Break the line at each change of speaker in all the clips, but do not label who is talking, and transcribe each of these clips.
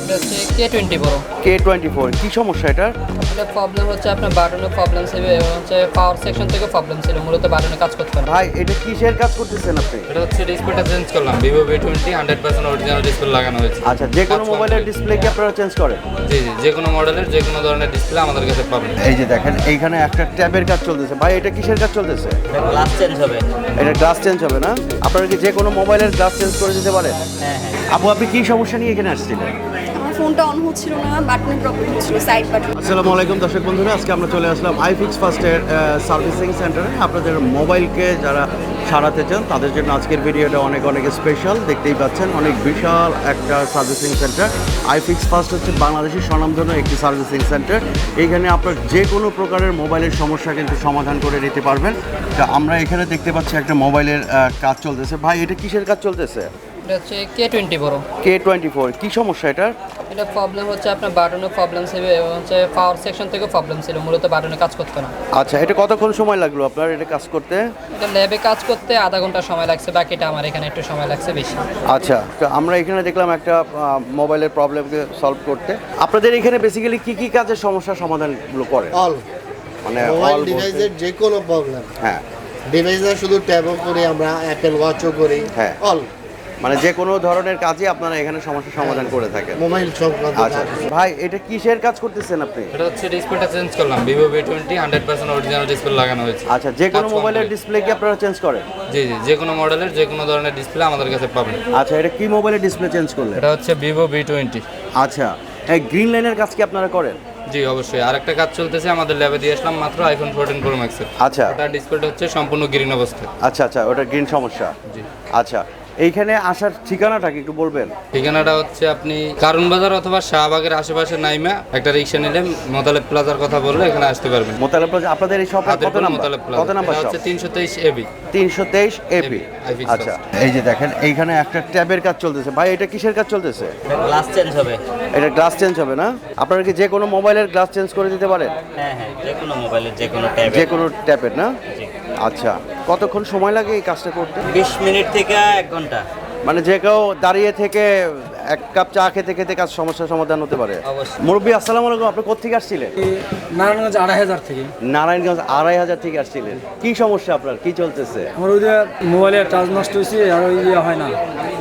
এটা হচ্ছে K24
K24 কি সমস্যা এটার?
এটা প্রবলেম হচ্ছে আপনার বাটনের প্রবলেম ছিল এবং হচ্ছে পাওয়ার সেকশন থেকে প্রবলেম ছিল, মূলত বাটনে কাজ করতে না।
ভাই এটা কিসের কাজ করতেছেন আপনি?
এটা হচ্ছে ডিসপ্লেটা চেঞ্জ করলাম, ভিভো V20 100% অরিজিনাল ডিসপ্লে লাগানো হয়েছে।
আচ্ছা, যে কোনো মোবাইলের ডিসপ্লে কি আপনারা চেঞ্জ করেন?
জি জি, যে কোনো মডেলের যে কোনো ধরনের ডিসপ্লে আমাদের কাছে পাবেন।
এই যে দেখেন এইখানে একটা ট্যাবের কাজ চলতেছে। ভাই এটা কিসের কাজ চলতেছে?
গ্লাস চেঞ্জ হবে।
এটা গ্লাস চেঞ্জ হবে না? আপনারা কি যে কোনো মোবাইলের গ্লাস চেঞ্জ করে দিতে পারেন?
হ্যাঁ হ্যাঁ।
আপু আপনি কি সমস্যা নিয়ে এখানে আসছিলেন?
আমার ফোনটা অন হচ্ছিল না, বাটনের প্রবলেম হচ্ছিল, সাইড বাটন।
আসসালামু আলাইকুম দর্শক বন্ধুরা, আজকে আমরা চলে আসলাম আইফিক্স ফার্স্টের সার্ভিসিং সেন্টারে। আপনাদের মোবাইলকে যারা সারাতে চান তাদের জন্য আজকের ভিডিওটা অনেক অনেক স্পেশাল। দেখতেই পাচ্ছেন অনেক বিশাল একটা সার্ভিসিং সেন্টার। আইফিক্স ফার্স্ট হচ্ছে বাংলাদেশের স্বনামধন্য একটি সার্ভিসিং সেন্টার। এইখানে আপনার যে কোনো প্রকারের মোবাইলের সমস্যা কিন্তু সমাধান করে নিতে পারবেন। তা আমরা এখানে দেখতে পাচ্ছি একটা মোবাইলের কাজ চলতেছে। ভাই এটা কিসের কাজ চলতেছে?
এটা হচ্ছে K24
K24 কি সমস্যা এটার?
এটা প্রবলেম হচ্ছে আপনার বাটনের প্রবলেম ছিল এবং হচ্ছে পাওয়ার সেকশন থেকে প্রবলেম ছিল, মূলত বাটনে কাজ করতে না।
আচ্ছা, এটা কতক্ষণ সময় লাগলো আপনার এটা কাজ করতে?
এটা ল্যাবে কাজ করতে আধা ঘন্টা সময় লাগছে, বাকিটা আমার এখানে একটু সময় লাগছে বেশি।
আচ্ছা, তো আমরা এখানে দেখলাম একটা মোবাইলের প্রবলেমকে সলভ করতে। আপনাদের এখানে বেসিক্যালি কি কি কাজের সমস্যার সমাধানগুলো করে?
অল
মানে
মোবাইল
all
ডিভাইসের যে কোনো প্রবলেম,
হ্যাঁ,
ডিভাইসে শুধু ট্যাবও করি আমরা, অ্যাপেল ওয়াচও করি,
হ্যাঁ।
অল
মানে যে কোনো ধরনের কাজই আপনারা এখানে সমস্যার সমাধান করে থাকেন।
মোবাইল সংক্রান্ত
আচ্ছা
কাজ।
ভাই এটা কিসের কাজ করতেছেন আপনি?
এটা হচ্ছে ডিসপ্লেটা চেঞ্জ করলাম, ভিভো V20 100% অরিজিনাল ডিসপ্লে লাগানো হয়েছে।
আচ্ছা, যে কোনো
কাজ
মোবাইলের
complete।
ডিসপ্লে কি আপনারা চেঞ্জ করেন?
জি জি, যে কোনো মডেলের যে কোনো ধরনের ডিসপ্লে আমাদের কাছে পাবেন।
আচ্ছা, এটা কি মোবাইলের ডিসপ্লে চেঞ্জ করলেন?
এটা হচ্ছে ভিভো V20।
আচ্ছা, এই গ্রিন লাইনের কাজ কি আপনারা করেন?
জি অবশ্যই, আরেকটা কাজ চলতেছে, আমাদের ল্যাবে দিয়ে আসলাম মাত্র আইফোন 14 Pro Max এর।
আচ্ছা
ওটার ডিসপ্লেটা হচ্ছে সম্পূর্ণ গ্রিন অবস্থায়।
আচ্ছা আচ্ছা, ওটা গ্রিন সমস্যা।
জি।
আচ্ছা, এইখানে আসার ঠিকানাটা কি একটু বলবেন?
ঠিকানাটা হচ্ছে আপনি কারণ বাজার অথবা শাহবাগের আশেপাশে নাইমা একটা রিক্সা নিলে মোতালেব প্লাজার কথা বললে এখানে আসতে পারবেন।
মোতালেব প্লাজা আপনাদের এই শপের কত নাম্বার?
মোতালেব প্লাজা
কত নাম্বার
এটা
শপ?
হচ্ছে 323 AB।
323 এবি।
iFix
আচ্ছা, এই যে দেখেন এইখানে একটা ট্যাবের কাজ চলতেছে। ভাই এটা কিসের কাজ চলতেছে?
গ্লাস চেঞ্জ হবে।
এটা গ্লাস চেঞ্জ হবে না? আপনারা কি যে কোনো মোবাইলের গ্লাস চেঞ্জ করে দিতে পারেন?
হ্যাঁ হ্যাঁ, যে কোনো মোবাইলের যে কোনো ট্যাবে।
যে কোনো ট্যাবের না? আচ্ছা, কতক্ষণ সময় লাগে এই কাজটা করতে?
20 মিনিট থেকে 1 ঘন্টা।
মানে যে কেউ দাঁড়িয়ে থেকে এক কাপ চা খেতে খেতে কাজ সমস্যার সমাধান হতে পারে।
অবশ্যই।
মুরব্বী আসসালামু আলাইকুম, আপনি কোথা থেকে আসছিলেন?
নারায়ণগঞ্জ 2,500 থেকে।
নারায়ণগঞ্জ 2,500 থেকে আসছিলেন। কি সমস্যা আপনার, কি চলতেছে?
আমার ওই যে মোবাইলের চার্জ নষ্ট হয়েছে আর ওই ইয়ে হয় না,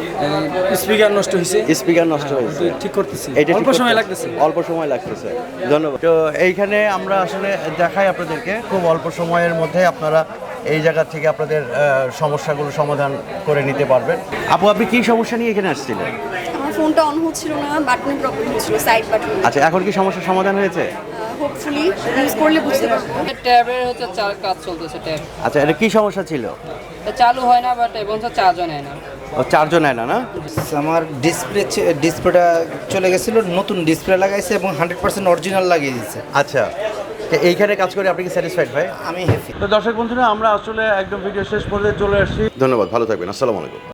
স্পিকার নষ্ট হয়েছে,
স্পিকার নষ্ট হয়েছে,
ওটা ঠিক করতেছি,
এটা ঠিক
অল্প সময়
করতে-
লাগতেছে।
অল্প সময় লাগতেছে। ধন্যবাদ। তো এইখানে আমরা আসলে দেখাই আপনাদেরকে খুব অল্প সময়ের মধ্যে আপনারা এই জায়গা থেকে আপনাদের সমস্যাগুলো সমাধান করে নিতে পারবেন। আপু আপনি কি সমস্যা নিয়ে এখানে আসছিলেন?
আমার ফোনটা অন হচ্ছিল না, বাটনের প্রবলেম হচ্ছিল, সাইড বাটন।
আচ্ছা, এখন কি সমস্যার সমাধান হয়েছে?
হোপফুলি ইউজ করলে বুঝতে পারবো।
ট্যাবের হচ্ছে কাজ চলতেছে, ট্যাব
আচ্ছা, এটা কি সমস্যা ছিল?
এটা চালু হয় না, বাট এবং হচ্ছে চার্জও নেয় না।
ও চারজন নেয় না?
আমার ডিসপ্লেটা চলে গেছিলো, নতুন ডিসপ্লে লাগাইছে এবং 100% অরিজিনাল লাগিয়ে দিয়েছে।
আচ্ছা, তো এইখানে কাজ করে আপনি কি স্যাটিসফাইড ভাই?
আমি হ্যাপি।
তো দর্শক বন্ধুরা, আমরা আসলে একদম ভিডিও শেষ পর্যায়ে চলে আসছি। ধন্যবাদ, ভালো থাকবেন, আসসালামু আলাইকুম।